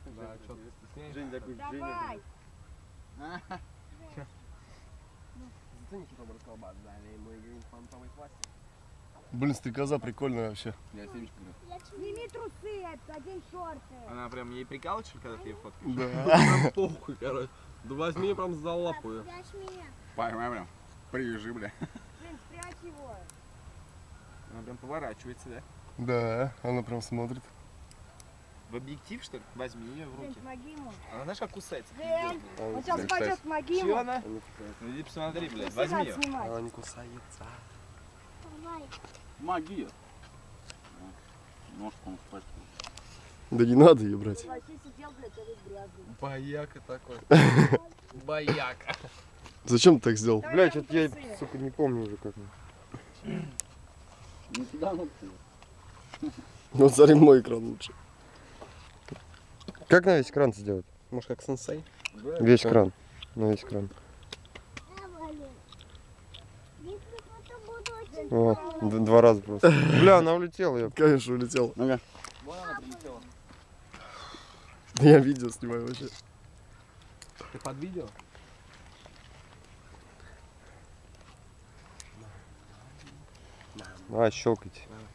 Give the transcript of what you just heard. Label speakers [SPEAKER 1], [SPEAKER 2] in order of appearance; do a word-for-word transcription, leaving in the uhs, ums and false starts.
[SPEAKER 1] Да, что ты стесняешься?
[SPEAKER 2] Жень такой,
[SPEAKER 3] Давай.
[SPEAKER 1] Зато Никита расколбас, далее мой грин фантовый пластик.
[SPEAKER 4] Блин, стрекоза прикольная вообще.
[SPEAKER 2] Я семечку беру.
[SPEAKER 3] Сними трусы, одень шорты.
[SPEAKER 1] Она прям ей прикалываешь, когда ты ее фоткаешь?
[SPEAKER 4] Да.
[SPEAKER 1] Прям похуй, короче. Да возьми прям за лапу ее.
[SPEAKER 2] Поймай прям. Привяжи, бля.
[SPEAKER 3] Жень, спрячь его.
[SPEAKER 1] Она прям поворачивается, да?
[SPEAKER 4] Да, она прям смотрит.
[SPEAKER 1] В объектив, что ли? Возьми ее в
[SPEAKER 3] Жень,
[SPEAKER 1] руки.
[SPEAKER 3] помоги ему.
[SPEAKER 1] Она знаешь, как кусается?
[SPEAKER 3] Жень, он сейчас
[SPEAKER 2] Жень,
[SPEAKER 3] пойдет,
[SPEAKER 2] кстати.
[SPEAKER 3] помоги
[SPEAKER 1] Чего
[SPEAKER 3] ему.
[SPEAKER 1] она? Ну иди посмотри, блядь,
[SPEAKER 3] Нифига
[SPEAKER 1] возьми ее.
[SPEAKER 3] снимать.
[SPEAKER 4] Она не кусается.
[SPEAKER 2] Магия. Ножку он спать.
[SPEAKER 4] Да не надо ее брать.
[SPEAKER 3] Вообще сидел, блядь, а весь грязный.
[SPEAKER 1] Бояка такой. Бояка.
[SPEAKER 4] Зачем ты так сделал?
[SPEAKER 3] Давай
[SPEAKER 5] Блять,
[SPEAKER 3] прям
[SPEAKER 5] это я,
[SPEAKER 3] трусы.
[SPEAKER 5] сука, не помню уже как.
[SPEAKER 2] Не туда, ну
[SPEAKER 4] Вот смотри, мой экран лучше.
[SPEAKER 5] Как на весь экран сделать?
[SPEAKER 1] Может, как сенсей?
[SPEAKER 5] Весь экран. На весь экран. О, д- два раза просто. Бля, она улетела, я.
[SPEAKER 4] Конечно, улетел.
[SPEAKER 2] Ну-ка.
[SPEAKER 1] Вон она прилетела.
[SPEAKER 4] Я видео снимаю вообще.
[SPEAKER 1] Ты под видео?
[SPEAKER 5] А, щелкайте.
[SPEAKER 1] Да.